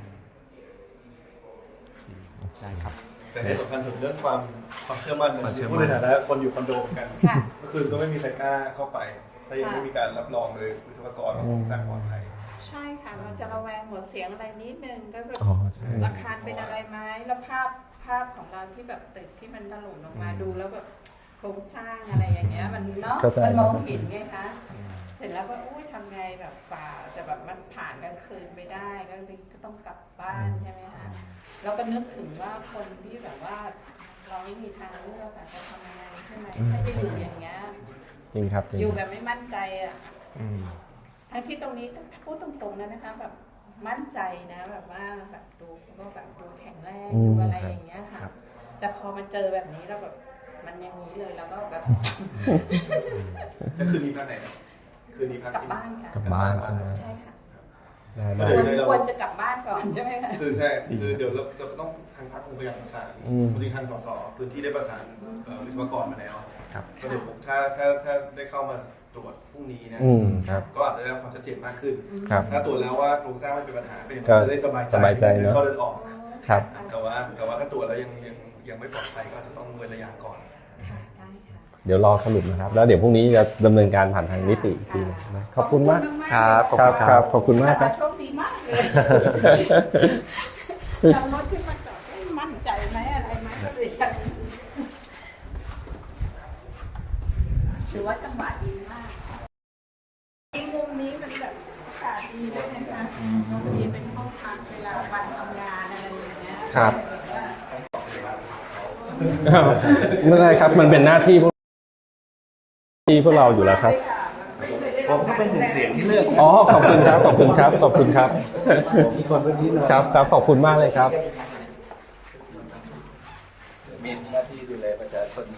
[SPEAKER 5] ได้ครับ
[SPEAKER 4] แต่ที่สำคัญสุดเรื่องความเชื่อมั่น
[SPEAKER 5] ความเชื่อมั่น
[SPEAKER 4] พูดในฐานะคนอยู่คอนโดเหมือนกัน
[SPEAKER 8] ค่ะ
[SPEAKER 4] เมื่อคืนก็ไม่มีใครกล้าเข้าไป ถ้ายังไม่มีการรับรองเลยวิศวกรว่าโครงสร้างปลอดภัย
[SPEAKER 8] ใช่ค่ะเราจะระแวงหัวเสียงอะไรนิดนึงก็แบบ
[SPEAKER 1] อ๋อใช่
[SPEAKER 8] อาคารเป็นอะไรไหมแล้วภาพของเราที่แบบตึกที่มันถล่มลงมาดูแล้วแบบโครงสร้างอะไรอย่างเงี้ยมันเนาะ
[SPEAKER 1] เข้าใจ
[SPEAKER 8] มันมองเห็นไงคะเสร็จแล้วก็อุ้ยทำไงแบบฝ่าแต่แบบมันผ่านกลางคืนไม่ได้ก็เลยก็ต้องกลับบ้านใช่ไหมคะแล้วก็นึกถึงว่าคนที่แบบว่า เราไม่มีทางเลือกอะจะทำยังไงใช่ไหมถ้าจะอยู่อย่างเงี้ย
[SPEAKER 1] จริงครับจริง
[SPEAKER 8] อยู่แบบไม่มั่นใจอะ
[SPEAKER 5] อืม
[SPEAKER 8] ทั้งที่ตรงนี้พูดตรงๆนะคะแบบมั่นใจนะแบบว่าแบบดูก็แบบดูแข็งแรงดูอะไรอย่างเงี้ยค่ะแต่พอมาเจอแบบนี้แล้วแบบมันอย่างนี้เลยแล้วก็แบบ
[SPEAKER 4] แล้วคืนนี้พักไหนครับคืนนี้พัก
[SPEAKER 8] กลับ
[SPEAKER 4] ที่
[SPEAKER 8] บ้านค่ะ
[SPEAKER 1] กลับบ้านใช่ไหม
[SPEAKER 8] ใช่ค่ะ
[SPEAKER 1] ได้
[SPEAKER 8] ควรจะกลับบ้านก่อนใช่ไหมคะ
[SPEAKER 4] คือใช่คือเดี๋ยวเราจะต้องทางพรรคคงพยายามประสานจริงๆทางสสพื้นที่ได้ประสานวิศวกรมาแล้ว
[SPEAKER 5] ครับ
[SPEAKER 4] ก็เดี๋ยวผมถ้าได้เข้ามาตรวจพรุ่งนี้นะ
[SPEAKER 1] ครับ
[SPEAKER 4] ก็อาจจะได้ความชัดเจนมากขึ้น
[SPEAKER 1] ครับ
[SPEAKER 4] ถ้าตรวจแล้วว่าโครงสร้างไม่เป็นปัญหาก็ยัง
[SPEAKER 1] ก็
[SPEAKER 4] จะได้สบาย
[SPEAKER 1] สบายใจเนอะ
[SPEAKER 4] เข้าเดินออก
[SPEAKER 1] ครับ
[SPEAKER 4] แต่ว่าถ้าตรวจแล้วยังไม่ปลอดภัยก็อาจจะต้องเว้นระยะก่อน
[SPEAKER 8] ค่ะได้ค่ะ
[SPEAKER 1] เดี๋ยวรอสรุปนะครับ แล้วเดี๋ยวพรุ่งนี้จะดำเนินการผ่านทางนิติอีกทีนะขอบคุณมาก
[SPEAKER 5] ครับ
[SPEAKER 1] ครับขอบคุณมากครับ
[SPEAKER 8] โชคดีมากเลยเรารถขึ้นมาจอดได้มั่นใจไหมอะไรไหมก็เลยกันถือว่าจังหวะดีมากอีกมุมนี้มันแบบอากาศดีด้วยนะคะมีเป็นห้องพักเวลาวันทำงานอะไรอย่างเงี้ย
[SPEAKER 1] ครับ ไม่เป็นไรครับมันเป็นหน้าที่พวกเราอยู่แล้วครับ
[SPEAKER 3] ผมก็เป็นหนึ่งเสียงที่เลือก
[SPEAKER 1] อ๋อขอบคุณครับขอบคุณครับขอบคุณครับ
[SPEAKER 3] มีคนพื้นที่หน่อย
[SPEAKER 1] ครับขอบคุณมากเลยครับ
[SPEAKER 3] มีหน้าที่ดูแลประชาชน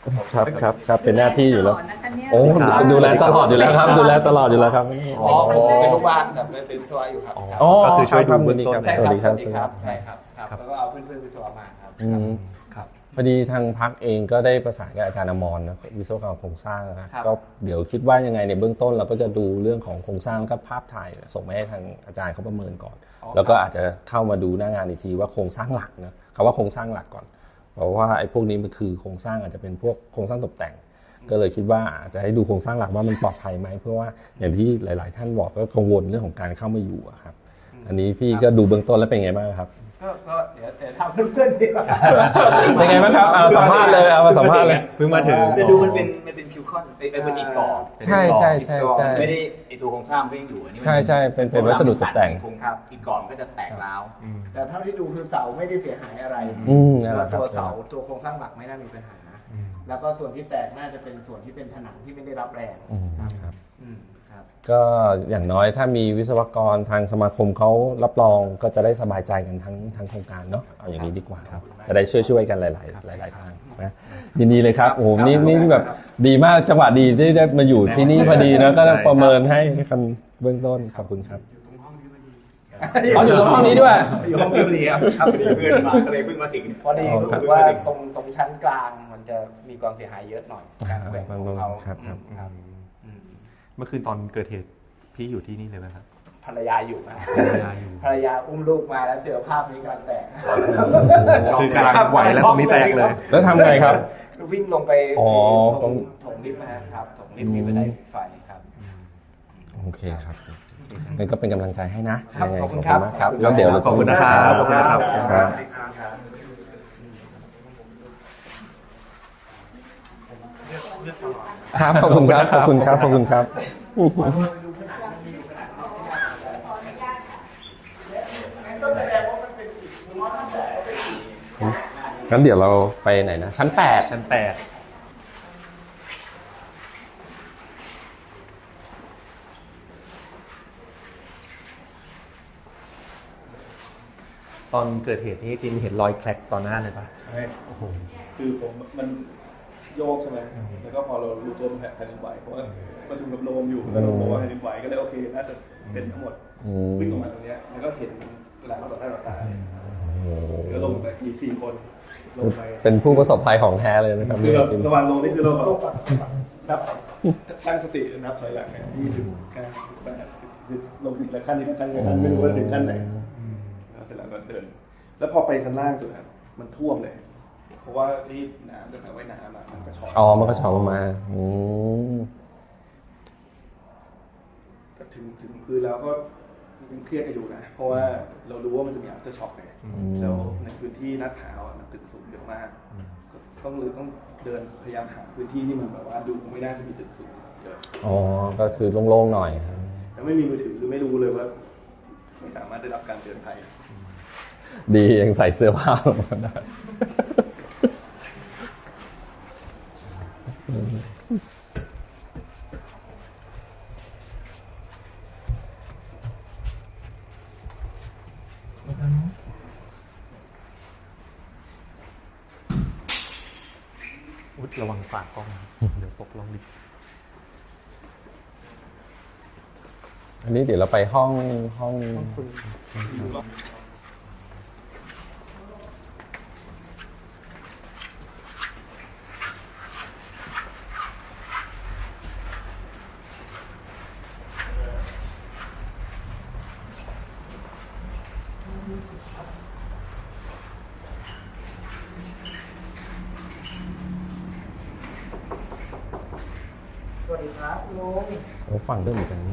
[SPEAKER 1] ครับเป็นหน้าที่อยู่แล้ว
[SPEAKER 8] นะคะเนี่ย
[SPEAKER 1] โอ้ดูแลตลอดอยู่แล้วครับดูแลตลอดอยู่แล้วครับ
[SPEAKER 3] อ๋อผมเป็นลูกบ้านแบบเป็นวิศวะอยู่ครับ
[SPEAKER 1] อ๋อ
[SPEAKER 5] ก็คือช่วยดูเบื้องต้น
[SPEAKER 3] ใช่
[SPEAKER 1] สวัสดีครับ
[SPEAKER 3] ใช่ครับแล้วก็เอาเพื่อนๆวิศวะมาครับ
[SPEAKER 1] อืม
[SPEAKER 5] ครับ
[SPEAKER 1] พอดีทางพักเองก็ได้ประสานกับอาจารย์อมรนะวิศวกรรมโครงสร้างนะครับ ก็เดี๋ยวคิดว่ายังไงในเบื้องต้นเราก็จะดูเรื่องของโครงสร้างแล้วก็ภาพถ่ายส่งไปให้ทางอาจารย์เขาประเมินก่อน แล้วก็อาจจะเข้ามาดูหน้างานอีกทีว่าโครงสร้างหลักนะคำว่าโครงสร้างหลักก่อนเพราะว่าไอ้พวกนี้มันคือโครงสร้างอาจจะเป็นพวกโครงสร้างตกแต่ง ก็เลยคิดว่าอาจจะให้ดูโครงสร้างหลักว่ามันปลอดภัยไหมเพราะว่าอย่างที่หลาย ๆ ท่านบอกก็กังวลเรื่องของการเข้ามาอยู่อะครับอันนี้พี่ก็ดูเบื้องต้นแล้วเป็นไงบ้างครับ
[SPEAKER 3] ก็เดี๋ยวถามเพื่อนๆดีกว่า
[SPEAKER 1] เป็นไงบ้างครับเอาสัมภาษณ์เลยเอามาสัมภาษณ์เลย
[SPEAKER 5] เพิ่งมาถึง
[SPEAKER 3] จะดูมันเป็นคิวคอนเป็นอีกกรอบ
[SPEAKER 1] ใช่ใช่ใช่ใช่
[SPEAKER 3] ไม่ได้ไอตัวโครงสร้างไม่ยังอยู่อันนี้
[SPEAKER 1] ใช่ใช่เป็นวัสดุตกแต่ง
[SPEAKER 3] ครับอีกกรอบก็จะแตกร้าวแต่เท่าที่ดูคือเสาไม่ได้เสียหายอะไร
[SPEAKER 1] นั่นแห
[SPEAKER 3] แล้
[SPEAKER 1] ละ
[SPEAKER 3] ว
[SPEAKER 1] ครับ
[SPEAKER 3] ตัวเสาตัวโครงสร้างหลักไม่น่ามีปัญหา แล้วก็ส่วนที่แตกน่าจะเป็นส่วนที่เป็นผนังที่ไม่ได้รับแรง
[SPEAKER 1] ครับ
[SPEAKER 3] ครับ
[SPEAKER 1] ก็อย่างน้อยถ้ามีวิศวกรทางสมาคมเขารับรองก็จะได้สบายใจกันทั้งโครงการเนาะเอาอย่างนี้ดีกว่าครับจะได้ช่วยกันหลายทางนะยินดีเลยครับโอ้โหนี่แบบดีมากจังหวะดีที่ได้มาอยู่ที่นี่พอดีนะก็ประเมินให้กันเบื้องต้นขอบคุณครับอ๋ออยู่ตรงห้องนี้ด้วย
[SPEAKER 3] อยู่ห้องนี้พอดีครับเพื่อนมาก็เลยเพิ่งมาถึงพอดีรู้สึกว่าตรงชั้นกลางมันจะมีความเสียหายเยอะหน่อยการแบ่งของเขา
[SPEAKER 1] ครับ
[SPEAKER 5] เมื่อคืนตอนเกิดเหตุพี่อยู่ที่นี่เลยไหมครับ
[SPEAKER 3] ภรรยาอยู่นะ
[SPEAKER 5] ภรรยาอยู่
[SPEAKER 3] ภรรยาอุ้มลูกมาแล้วเจอภาพนี้กำลังแตก
[SPEAKER 5] คือกำลังไหวแล้วตรงนี้แตกเลย
[SPEAKER 1] แล้วทำไงครับ
[SPEAKER 3] วิ่งลงไป
[SPEAKER 1] อ๋อ
[SPEAKER 3] ถงลิฟต์นะครับถงลิฟต์มีบันไดไฟครับ
[SPEAKER 1] โอเคครับงั้นก็เป็นกำลังใจให้นะครับ
[SPEAKER 3] ขอบคุณครับ
[SPEAKER 1] มากครับแล้วเดี๋ยวเรา
[SPEAKER 5] ขอบคุณนะครับขอบคุณนะครับ
[SPEAKER 1] ครับขอบคุณครับขอบคุณครับขอบคุณครับงั้นเดี๋ยวเราไปไหนนะชั้น 8
[SPEAKER 5] ชั้น 8ตอนเกิดเหตุนี้จริงเห็นรอยแคร็กตอนหน้าเลยปะ
[SPEAKER 4] ใช่คือผมมันโยกใช่ไหมแล้วก็พอเรารู้ตัวแผ่นดินไหวเพราะว่าประชุมกับโรมอยู่แล้วโรมบอกว่าแผ่นดินไหวก็เลยโอเคน่าจะเป็นทั้งหมดวิ่งออกมาตรงนี้แล้วก็เห็นแล้วต่อหน้าต่อตาแล้วลงไปมี4 คนลงไป
[SPEAKER 1] เป็นผู้ประสบภัยของแท้เลยนะครับ
[SPEAKER 4] คือระหว่างลงนี่คือเราแบบนับตั้งสตินับถอยหลังเนี่ย29 8ลงอีกละขั้นอีกละขั้นอีกละขั้นไม่รู้ว่าถึงขั้นไหนแล้วเสร็จแล้วก็เดิน แล้วพอไปชั้นล่างสุดครับมันท่วมเลย เพราะว่านี่น้ำจากสระว่ายน้ำมันกระชอก
[SPEAKER 1] อ๋อมันก็ชอกลงมา
[SPEAKER 4] ถึงพื้นแล้วก็ยังเครียดกันอยู่นะ เพราะว่าเรารู้ว่ามันจะมี after shock ไงแล้วในพื้นที่ลาดพร้าวมันตึกสูงเยอะมากต้องเดินพยายามหาพื้นที่ที่มันแบบว่าดูไม่น่าจะมีตึกสูงเยอะ
[SPEAKER 1] อ๋อก็คือโล่งๆหน่อย
[SPEAKER 4] แล้วไม่มีมือถือคือไม่รู้เลยว่าไม่สามารถได้รับการเตือนภัย
[SPEAKER 1] ดียังใส่เสื้อผ้าลงมาได้
[SPEAKER 5] ระวังฝากกล้องเดี๋ยวตกลงดิ
[SPEAKER 1] อันนี้เดี๋ยวเราไปห้อง
[SPEAKER 2] สวัสดีครับลุง
[SPEAKER 1] โอ้ฟังด้วยเหมือนกันนี่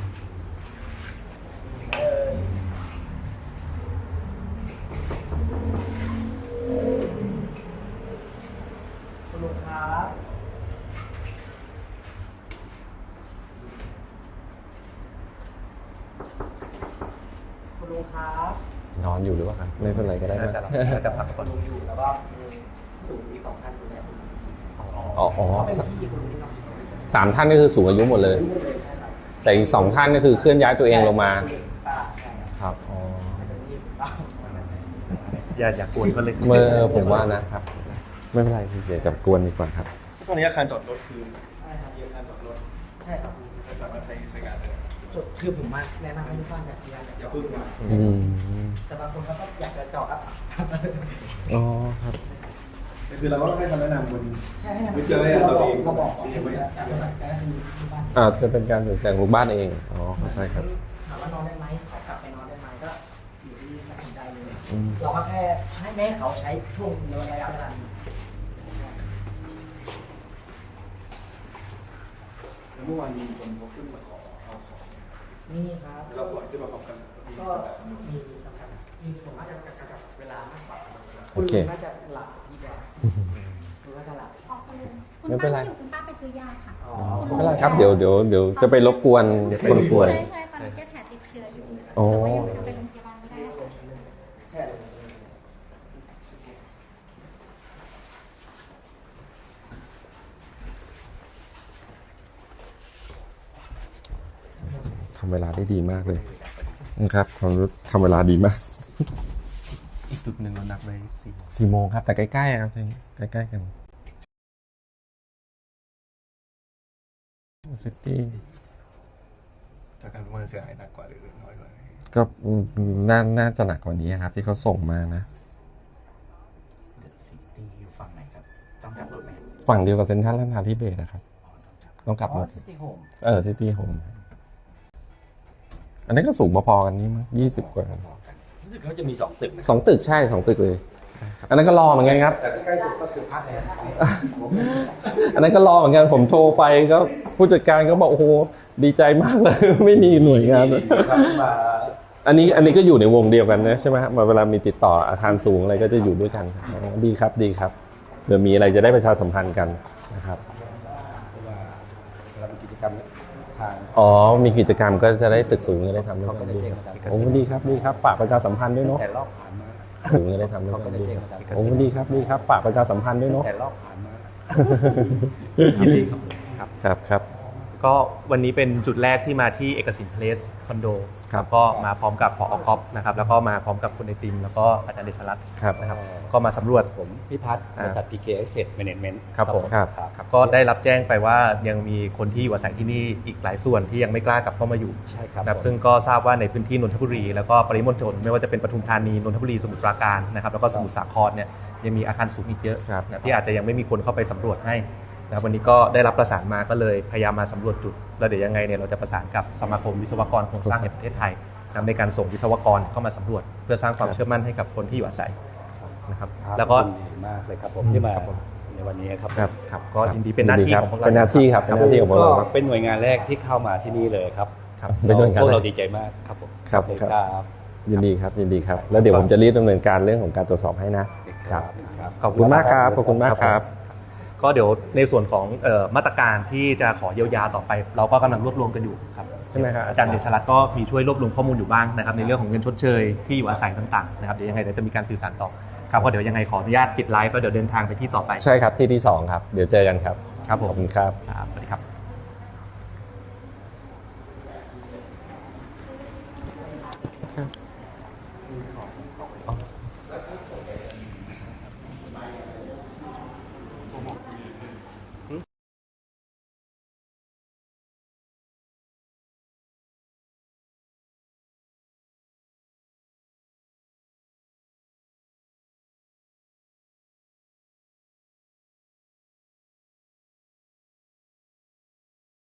[SPEAKER 2] คุณลุงครับคุณลุงครับ
[SPEAKER 1] นอนอยู่หรือเปล่าครับไม่เป็นไรก็ได้นะ
[SPEAKER 5] น่าจะพักก่อน
[SPEAKER 3] ลุงอยู่แล้วก็สูงมี2 ท่านอยู่แล้ว
[SPEAKER 1] อ๋อ3 ท่านก็คือสูงอายุหมดเลย แต่อีก2 ท่านก็คือเคลื่อนย้ายตัวเองลงมาครับอ๋อ
[SPEAKER 5] อย่ากวนก็เลย
[SPEAKER 1] เมื่อผมว่านะครับไม่เป็นไรพี่เดี๋ยวจะกวนดีกว่าครับ
[SPEAKER 4] ตอนนี้อาคารจอดรถคือ
[SPEAKER 2] ใช่ครับ
[SPEAKER 4] มีอาคารจอดรถ
[SPEAKER 2] ใช่ครับ
[SPEAKER 4] ไม่สามารถใช้การได้
[SPEAKER 2] จุดคือผมมาแนะนำให้ทุกท่านอยาก
[SPEAKER 4] อย่าพึ่งนะ
[SPEAKER 1] อืม
[SPEAKER 2] แต่บางคนก็อยากจะจอดครับ
[SPEAKER 1] อ๋อครับ
[SPEAKER 4] คือเราก็ต้องให้คำแนะนำคน
[SPEAKER 2] ใช่ให้
[SPEAKER 4] วิจารณญาณตัวเอง
[SPEAKER 2] เราบอกก่อน
[SPEAKER 4] ยังไม่
[SPEAKER 2] แต่ก็คือที่บ้าน
[SPEAKER 1] จะเป็นการตัดสินใจของลูกบ้านเองอ๋อเข้าใจครับ
[SPEAKER 2] ถามว่านอนได้ไหมเขากลับไปนอนได้ไหมก็อยู่ที่ตัดสินใจเลย
[SPEAKER 1] อืม
[SPEAKER 2] เราก็แค่ให้แม่เขาใช้ช่วงระยะเวลานี้
[SPEAKER 4] เมื่อวานมีคนเขาขึ้นมาขอเอาของ
[SPEAKER 2] นี่ครับ
[SPEAKER 4] เราปล่อยขึ้นมาพร้อมกันมี
[SPEAKER 2] ก็
[SPEAKER 4] แบบ
[SPEAKER 2] มีสำคัญมีผมน่าจะกับเวลามากกว่า
[SPEAKER 1] โอเค
[SPEAKER 2] ณน่าจะหลับดีกว่าคุณน่าจะหลับ
[SPEAKER 9] ออกไปเลยคุณ
[SPEAKER 1] ไม่เป็นไร
[SPEAKER 9] ป้าอยู่คุณป้าไปซื้อยาค่ะ
[SPEAKER 2] อ๋อ
[SPEAKER 1] ไม่เป็นไรครับเดี๋ยวจะไปรบกวนคนป่วย
[SPEAKER 9] ใช่ใช่ตอนนี้แกแผลติดเชื้ออยู่
[SPEAKER 1] โอ้
[SPEAKER 9] แต่ว่ายังไม่เอาไปโรงพยาบาลไม่ได้ค่ะ
[SPEAKER 2] ใช่
[SPEAKER 1] ทำเวลาได้ดีมากเลยนะครับทำเวลาดีมาก
[SPEAKER 5] อีกจุดหนึ่งเรานัดไว้4
[SPEAKER 1] 4 โมงครับ แต่ใกล้ๆครับใกล้ๆกันซิตี้
[SPEAKER 4] จากการประเมินเสียหายหนักกว่าหรือน้อยกว่า
[SPEAKER 1] ก็น่าจะหนักกว่านี้ครับ ที่เขาส่งมานะ
[SPEAKER 3] ซิตี้อยู่ฝั่งไหนครับ ต้องกลับรถไหม
[SPEAKER 1] ฝั่งเดียวกับเซ็นทรัลลาดพร้าวที่เบสนะครับ ต้องกลับรถ
[SPEAKER 3] ซิตี้โฮม
[SPEAKER 1] ซิตี้โฮมอันนี้ก็สูงพอๆกันนี่มั้ง20 กว่า
[SPEAKER 3] รู้สึกเขาจะมี2 ตึกนะ
[SPEAKER 1] 2 ตึกใช่2 ตึกเลย อันนั้นก็รอเหมือนกันครับ
[SPEAKER 3] แต่ที่ใกล้สุดก็คือพักแอร์
[SPEAKER 1] อันนั้นก็รอเหมือนกันผมโทรไปก็ผู้จัดการก็บอกโอ้โหดีใจมากเลย ไม่มีหน่วยงานเลย
[SPEAKER 3] ครับมา
[SPEAKER 1] อันนี้ก็อยู่ในวงเดียวกันนะใช่ไหมครับเวลามีติดต่ออาคารสูงอะไรก็จะอยู่ด้วยกันอ๋อดีครับดีครับเผื่อมีอะไรจะได้ประชาสัมพันธ์กันนะครับ
[SPEAKER 3] เพราะว่าเรามีกิจกรรมทาง
[SPEAKER 1] อ๋อมีกิจกรรมก็จะได้ตึกสูงจะได้ทำด้วย
[SPEAKER 3] เขา
[SPEAKER 1] กั
[SPEAKER 3] ก็
[SPEAKER 1] น
[SPEAKER 3] จะ
[SPEAKER 1] ดี
[SPEAKER 3] แจ้ง
[SPEAKER 1] ครับ
[SPEAKER 3] มาทาง
[SPEAKER 1] โอ้ดีครับดีครับฝากประชาสัมพันธ์ด้วยเนาะ
[SPEAKER 3] แต่รอบผ่านมา
[SPEAKER 1] สูงจะได้ทำด้วยกันดีครับโอ้ดีครับดีครับฝากประชาสัมพันธ์ด้วยเนาะ
[SPEAKER 3] แต่รอบผ่านมา
[SPEAKER 5] ยินดีครับ
[SPEAKER 1] ครับ
[SPEAKER 5] ก็วันนี้เป็นจุดแรกที่มาที่เอกสินเพลสคอนโด
[SPEAKER 1] ครับ
[SPEAKER 5] ก็มาพร้อมกับผอ.ก๊อฟนะครับแล้วก็มาพร้อมกับคุณไอติมแล้วก็อาจารย์เดชรัตน์
[SPEAKER 1] ครับ
[SPEAKER 5] นะครับก็มาสำรวจ
[SPEAKER 3] ผมพิพัฒน์บริษัท PK Asset Management
[SPEAKER 5] ครับผม
[SPEAKER 1] ครับ
[SPEAKER 5] ครับก็ได้รับแจ้งไปว่ายังมีคนที่อยู่อาศัยที่นี่อีกหลายส่วนที่ยังไม่กล้ากลับเข้ามาอยู่
[SPEAKER 3] ใช่ครับ
[SPEAKER 5] นะครับซึ่งก็ทราบว่าในพื้นที่นนทบุรี แล้วก็ปริมณฑลไม่ว่าจะเป็นปทุมธานีนนทบุรีสมุทรปราการนะครับแล้วก็สมุทรสาครเนี่ยยังมีอาคารสูงอีกเยอะ
[SPEAKER 1] ครับ
[SPEAKER 5] นะที่อาจจะยังไม่มีคนเข้าไปสำรวจให้นะครับวันนี้ก็ได้รับประสานมาก็เลยพยายามมาสำรวจจุดแล้วเดี๋ยวยังไงเนี่ยเราจะประสานกับสมาคมวิศวกรโครงสร้างแห่งประเทศไทยนะครับในการส่งวิศวกรเข้ามาสำรวจ เพื่อสร้างความเชื่อมั่นให้กับคนที่อยู่อาศัยนะครับแล้วก็
[SPEAKER 3] ยินดีมากเลยครับผมที่มา
[SPEAKER 5] ครับผม
[SPEAKER 3] ในวันนี้ครับ
[SPEAKER 1] ครับ
[SPEAKER 5] ครับก็ยินดีเป็นหน้าที่ของพวกเรา
[SPEAKER 1] เป็นหน้าที่ครับเป็นหน้าที่ของพวกเราครับ
[SPEAKER 3] เป็นหน่วยงานแรกที่เข้ามาที่นี่เลยครับ
[SPEAKER 5] ครับ
[SPEAKER 1] เป็นหน่วยงาน
[SPEAKER 3] พวก
[SPEAKER 1] แร
[SPEAKER 3] เรา
[SPEAKER 1] ก
[SPEAKER 3] ดีใจมากครับผม
[SPEAKER 1] ครับ
[SPEAKER 3] โอเ
[SPEAKER 1] ครับ
[SPEAKER 3] ครับ
[SPEAKER 1] ยินดีครับยินดีครับ แล้วเดี๋ยวผมจะรีบดำเนินการเรื่องของการตรวจสอบให้นะครับ ขอบคุณมากครับขอบคุณมากครับ
[SPEAKER 5] ก็เดี๋ยวในส่วนของมาตรการที่จะขอเยียวยาต่อไป เราก็กำลังรวบรวมกันอยู่ครับ
[SPEAKER 1] ใช่ไหมครับ
[SPEAKER 5] อาจารย์เดชรัตน์ก็มีช่วยรวบรวมข้อมูลอยู่บ้างนะครับในเรื่องของเงินชดเชยที่อยู่อาศัยต่างๆนะครับเดี๋ยวยังไงเดี๋ยวจะมีการสื่อสารต่อครับก็เดี๋ยวยังไงขออนุญาตปิดไลฟ์แล้วเดี๋ยวเดินทางไปที่ต่อไป
[SPEAKER 1] ใช่ครับที่ที่ 2 ครับ เดี๋ยวเจอกันครับ
[SPEAKER 5] ครับผม
[SPEAKER 1] ขอบคุณครับ
[SPEAKER 5] ครับสวัสดีครับ